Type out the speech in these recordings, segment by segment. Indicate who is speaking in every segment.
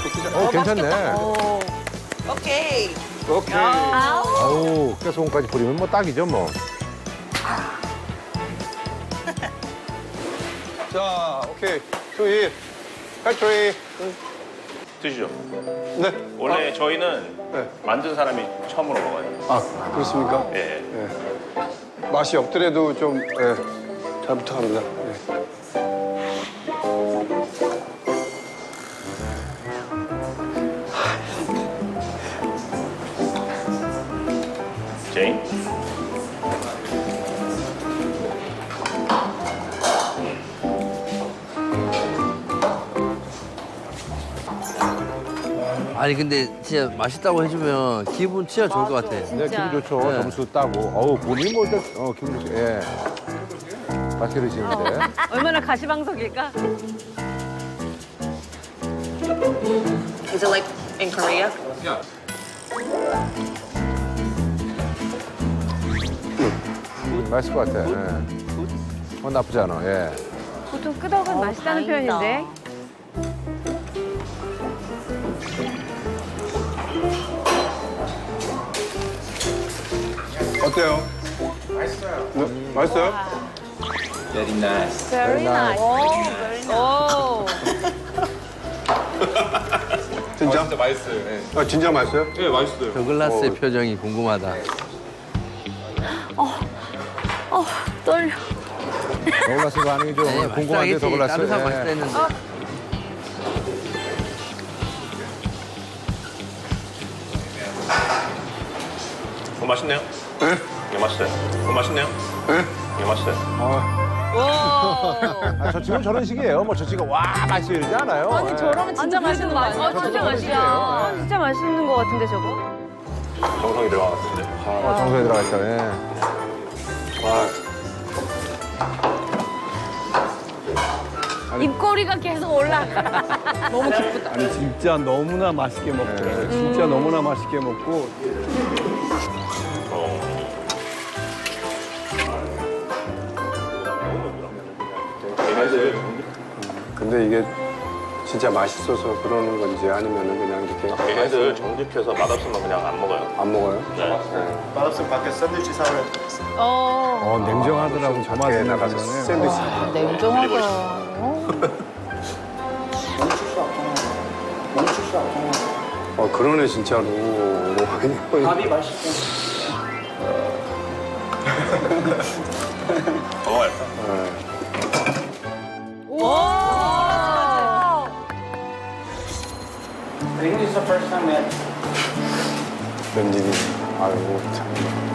Speaker 1: 괜찮네.
Speaker 2: 오케이.
Speaker 3: 오케이.
Speaker 1: 아우, 깨소금까지 뿌리면 뭐 딱이죠, 뭐.
Speaker 3: 자, 오케이. 2, 1. 팩토리.
Speaker 4: 드시죠.
Speaker 3: 네.
Speaker 4: 원래 저희는
Speaker 3: 네.
Speaker 4: 만든 사람이 처음으로 먹어요.
Speaker 3: 아, 그렇습니까?
Speaker 4: 예.
Speaker 3: 네. 맛이 없더라도 좀, 잘 부탁합니다. 네.
Speaker 4: 제인?
Speaker 5: 아니 근데 진짜 맛있다고 해주면 기분 진짜 좋을 것 같아.
Speaker 1: 네, 기분 좋죠.
Speaker 5: 네.
Speaker 1: 점수 따고. 어우, 본인 뭐 일단, 기분 좋죠. 예. 맛있게 드시는데.
Speaker 6: 얼마나 가시방석일까?
Speaker 2: Is it like in Korea?
Speaker 1: 맛있을 것 같아. 예. 나쁘지 않아, 예.
Speaker 6: 보통 끄덕은 맛있다는
Speaker 2: 다행이다.
Speaker 6: 표현인데.
Speaker 3: 어때요? 맛있어요. 네? 맛있어요?
Speaker 6: Very
Speaker 1: nice.
Speaker 6: nice. 오,
Speaker 3: 진짜?
Speaker 7: 진짜 맛있어요. 네.
Speaker 3: 아, 진짜 맛있어요?
Speaker 7: 네, 맛있어요.
Speaker 5: 더글라스의 표정이 궁금하다.
Speaker 6: 떨려.
Speaker 1: 더글라스가 아니죠.
Speaker 5: 네,
Speaker 1: 궁금한데 더글라스.
Speaker 5: 다른 사람
Speaker 1: 예.
Speaker 5: 맛있다 했는데.
Speaker 4: 맛있네요.
Speaker 3: 네?
Speaker 4: 이거 맛있어요. 맛있네요.
Speaker 3: 네?
Speaker 4: 이거 맛있어요.
Speaker 1: 아, 저 집은 저런 식이에요. 뭐 저 집은 와, 맛있어 이러지 않아요.
Speaker 6: 아니
Speaker 1: 예.
Speaker 6: 저러면 진짜 맛있는 거 아니야? 진짜
Speaker 1: 저도
Speaker 6: 맛이야.
Speaker 1: 맛있어요.
Speaker 6: 진짜 맛있는 거 같은데 저거?
Speaker 4: 정성이 들어갔는데.
Speaker 1: 정성에 들어가 있다. 예.
Speaker 6: 입꼬리가 계속 올라가. 너무 기쁘다.
Speaker 3: 아니, 진짜 너무나 맛있게 먹고. 진짜 너무나 맛있게 먹고. 근데 이게 진짜 맛있어서 그러는 건지 아니면은 그냥 이렇게
Speaker 4: 얘네들 정직해서 맛없으면 그냥 안 먹어요.
Speaker 3: 안 먹어요?
Speaker 4: 네.
Speaker 8: 맛없으면 밖에 샌드위치 사오라
Speaker 6: 어.
Speaker 3: 냉정하더라고. 저 맛에 나가서 샌드위치.
Speaker 6: 냉정하다.
Speaker 3: 그러네, 진짜로.
Speaker 8: 밥이 맛있고
Speaker 4: 먹어요.
Speaker 6: 와.
Speaker 8: I think this is the first time that
Speaker 3: 웬일이. 아이고, 참.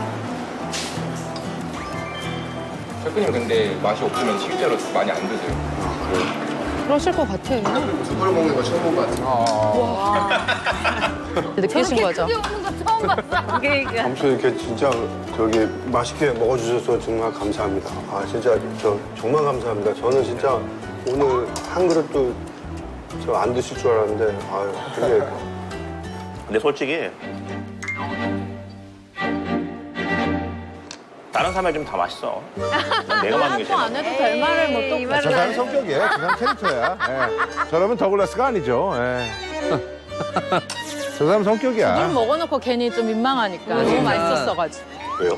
Speaker 7: 셰프님 근데 맛이 없으면 실제로 많이 안 드세요.
Speaker 9: 그러실 것 같아.
Speaker 3: 숯불 먹는 거 처음 본 것 같아.
Speaker 9: 느끼신 거죠?
Speaker 6: 크게 오는 거 처음 봤어. 그러니까.
Speaker 3: 아무튼 이렇게 진짜 저기 맛있게 먹어주셔서 정말 감사합니다. 아, 진짜 정말 감사합니다. 저는 진짜 오늘 한 그릇도 저 안 드실 줄 알았는데, 아유, 되게.
Speaker 4: 근데 솔직히 다른 사람이 좀 다 맛있어. 난 내가 만든 게 제일
Speaker 9: 안 해도 될 말을 뭐 또.
Speaker 6: 이
Speaker 1: 저
Speaker 6: 말은
Speaker 1: 사람
Speaker 6: 안
Speaker 1: 성격이에요. 저 사람 캐릭터야. 예. 저러면 더글라스가 아니죠. 예. 저 사람 성격이야.
Speaker 9: 물 먹어놓고 괜히 좀 민망하니까. 너무 맛있었어가지고.
Speaker 4: 왜요?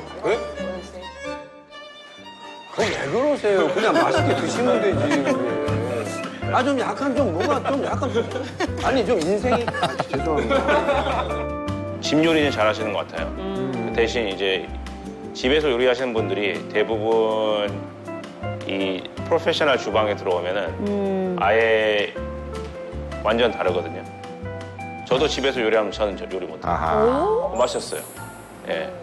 Speaker 3: 왜 그러세요? 그냥 맛있게 드시면 되지. 아, 좀 약간 좀 뭐가 좀 약간 아니, 좀 인생이. 죄송합니다.
Speaker 4: 집 요리는 잘하시는 것 같아요. 대신 이제 집에서 요리하시는 분들이 대부분 이 프로페셔널 주방에 들어오면은 아예 완전 다르거든요. 저도 집에서 요리하면 저는 요리 못해요.
Speaker 1: 아하.
Speaker 4: 맛있었어요. 예.